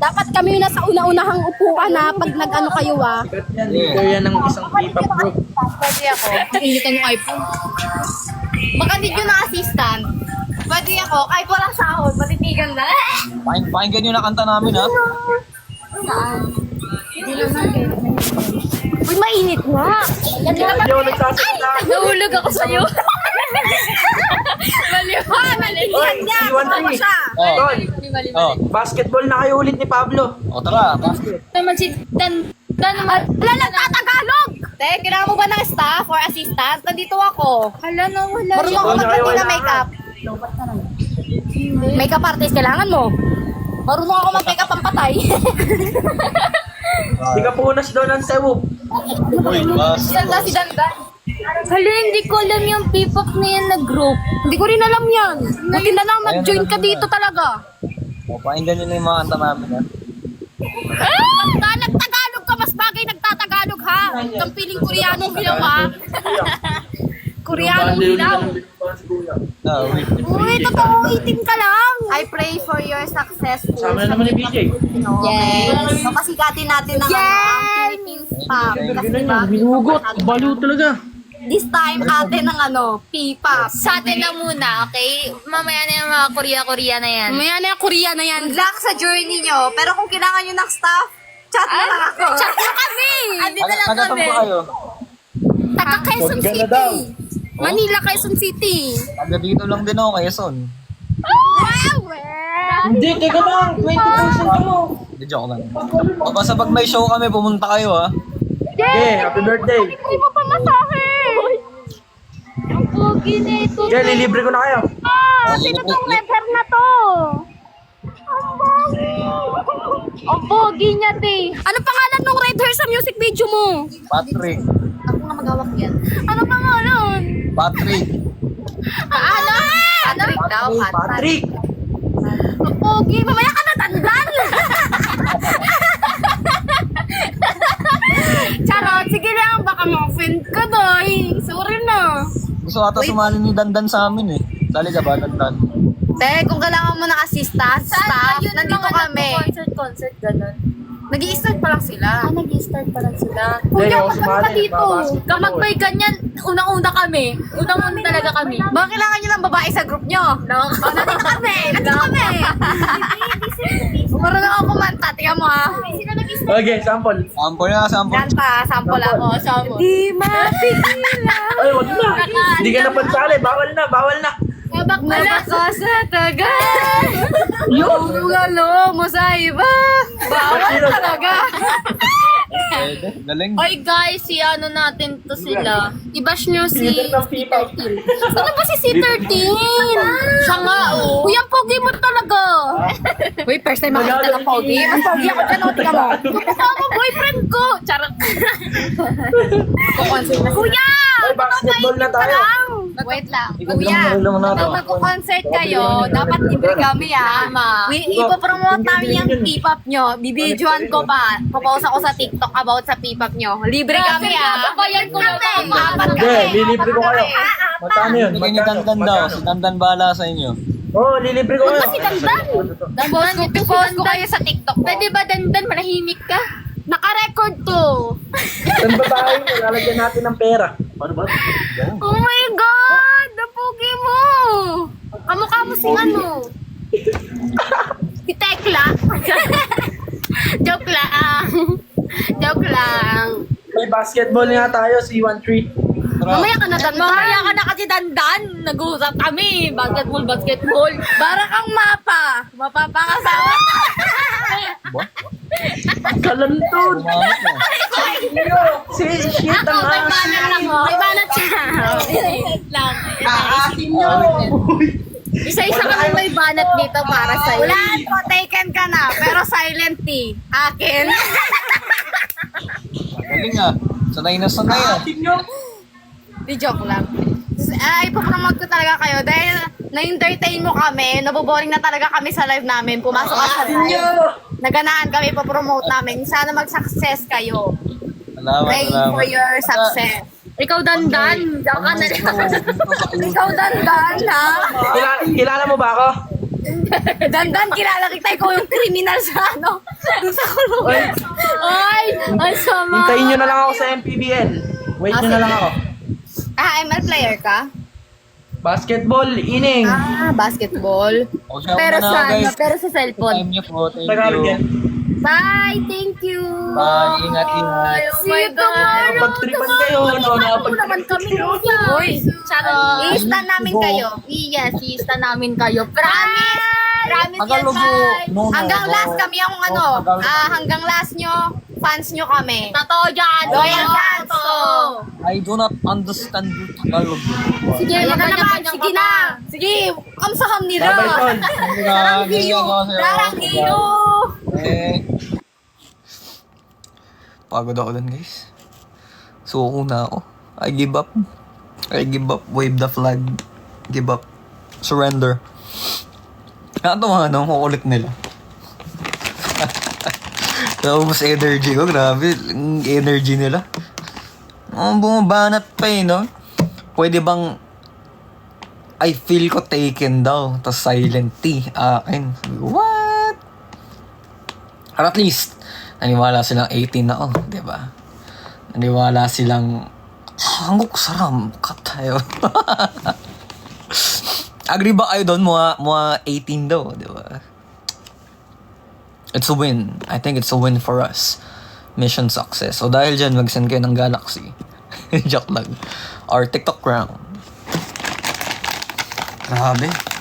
Dapat kami yung nasa una-unahang upuan na pag nag-ano kayo Leader yan ng isang K-pop group. Pwede ako. Initan yung iPhone. Baka need yun ng assistant. Pwede ako. Kahit walang sahod, matitigan na. Pakinggan nyo na kanta namin, ha? Hindi naman kayo. Uy, mainit nga. Hindi ako nagsasalita. Nahulog ako sa'yo. Maliwan. Oy, Iwan Tree. Oh. Tol, Oh. basketball na kayo ulit ni Pablo. O, tara. Basket. Naman si Dan Wala lang tatagalog! Te, kailangan mo ba ng staff or assistant? Nandito ako. Hala na, wala. Marunong ako Wala kayo, mag-ready na wala. makeup. Makeup artist, kailangan mo. Marunong ako mag-makeup ang patay. Di ka punas doon ng sewo. Uy, basket. Saan na si Dandan? Hala, hindi ko alam yung P-pop na yan na group. Hindi ko rin alam yan. Buti na lang nag-join ka dito talaga. O, pakinggan nyo na yung mga kanta namin, ha? Nagtagalog ka, mas bagay nagtatagalog ha. Kang piling Koreanong hilaw ha. Koreanong hilaw. No, wait. Uy, totoo, itim ka lang. I pray for your success. Sama na naman ni BJ. Yes. Kapasikatin natin ang ang Philippines pop. Kasi diba, Binugot. Baliw talaga. this time atin ang P-pop. Sa atin na muna, okay? Mamaya na yung mga Korea-Korea na yan. Maya na yung Korea na yan. Good luck sa journey nyo. Pero kung kailangan nyo ng staff, chat na lang ako. Chat na kami. Andito lang Taga-saan kami. po kayo? Taga Quezon Huwag ka na City. daw. Manila, Quezon City. Taga dito lang din ako, Quezon. Hindi, teka lang. 20% mo. Hindi, joke lang. O, basta pag may show kami, pumunta kayo, ha? Okay, happy birthday. Hindi mo pa masahe. Ang pogi na ito. Okay, lilibre ko na kayo. Sino tong rapper na to? Ang pogi niya, te. Ano pangalan ng red hair sa music video mo? Patrick. Ako nga magawak yan. Ano pangalan? Patrick. Ano? Patrick daw, Patrick. Patrick. Ang pogi. Mamaya ka na tandan. Charot. Sige lang. Baka ma-offend ka, doy. Sorry na. Gusto ata sumali ni Dandan sa amin, eh. Sali ka ba, Dandan? Te, kung kailangan mo ng assistant, staff, nandito kami. Concert, ganun. Nag-i-start pa lang sila. Nag-start pa lang sila. Kuya, ako wag ka sumali, pa dito. babasketball. Kapag may ganyan, unang-una kami. Unang-una talaga kami. Baka kailangan nyo ng babae sa group nyo. No? Nandito kami. Nandito kami. Marunong ako kumanta. Tingnan mo ha. Okay, sample. Sample na, sample. Kanta, sample ako. Sample. Di mapigilan. Ay, wag na. Hindi ka na pansali. Bawal na, bawal na. Nabaka sa tagal. Yung ano mo sa iba. Bawal talaga. Pwede, galing. Oy guys, si ano natin to sila. I-bash nyo si Leader ng P-pop. Ano ba si C13? Siya nga, oh. Kuya, pogi mo talaga. Uy, first time makita ng pogi. Mas pogi ako dyan. O, tingnan mo. Kasama boyfriend ko. Charot. Kukonsin na. Kuya! Ay, basketball na tayo. Wait lang. Ikaw Kuya, lang lang natin. kung magko-concert kayo, dapat libre kami ah. Ipopromote namin yung P-pop nyo. Bibidyoan ko pa. Papost ako sa TikTok about sa P-pop nyo. Libre kami ah. Babayan ko lang ako. Apat Okay, kami. lilibre ko kayo. Magkano yun? Bigyan ni Dandan daw. Si Dandan bahala sa inyo. Oo, lilibre ko kayo. si Dandan? Post ko kayo sa TikTok ko. Pwede ba dandan, manahimik ka? Naka-record to. Saan ba tayo? Lalagyan natin ng pera. Paano ba? Oh my God! Ang pogi mo! Kamukha mo si ano? Si Tekla. Joke lang. Joke lang. May basketball nga tayo, C13. Tara. Mamaya ka na dandan. Mamaya ka na kasi dandan. Nag-uusap kami. Basketball. Para kang mapa. Mapapakasawa. Kalantod. Umamit na. Si shit ang May asin. banat lang mo. May banat siya. Aasin nyo. Isa-isa kami may banat dito para sa'yo. Wala po, taken ka na. Pero silent T. Akin. Galing, ah. Sanay na sanay, ah. Di joke lang. Ipopromote ko talaga kayo dahil na-entertain mo kami, naboboring na talaga kami sa live namin. Pumasok ka sa live. Naganaan kami, ipopromote namin. Sana mag-success kayo. Salamat, Pray for salamat. your success. Ikaw dandan. Diyan ka na lang. Ikaw dandan, ha? Kilala mo ba ako? Dandan, kilala kita. Ikaw yung criminal sa ano. Doon sa kulungan. Ay, ang sama. Hintayin nyo na lang ako sa MPBL. Wait nyo na lang ako. ML player ka? Basketball, ining. Basketball. O, siya Pero muna, sa, guys. pero sa cellphone. Time niyo po. Thank Tagalog yan. you. Bye, thank you. Bye. Ingat, ingat. See you tomorrow. Nakapagtripan kayo, no? naman Nakapagtripan kami. kayo. Uy, Charot. i-stan namin kayo. Yes, i-sta namin kayo. Promise. Promise yan, Tagalog Sai. mo. No, Hanggang no. last kami ang ano. Tagalog. Hanggang last nyo, fans nyo kami. Totoo dyan. Loyal fans. Totoo. I do not understand Tagalog. Sige, Kaya ka naman, kanya-kanya sige ka na. pa. Sige, kamsaham nila. Babay, tol. Darang hiyo. Darang hiyo. Eh. Pagod ako dun, guys. Suko na ako. I give up. I give up. Wave the flag. Give up. Surrender. Ano mga ano, kukulit nila. Naubos energy ko. Grabe. Ang energy nila. Bumabanat pa eh, no? Pwede bang I feel ko taken daw. Tapos silent T. Akin. What? Or at least, naniwala silang 18 na, oh, di ba? Naniwala silang, hangok saram, katayo. Agree ba kayo doon, mga 18 daw, di ba? It's a win. I think it's a win for us. Mission success. So dahil dyan, mag-send kayo ng Galaxy. Joke lang. Or TikTok round. Grabe.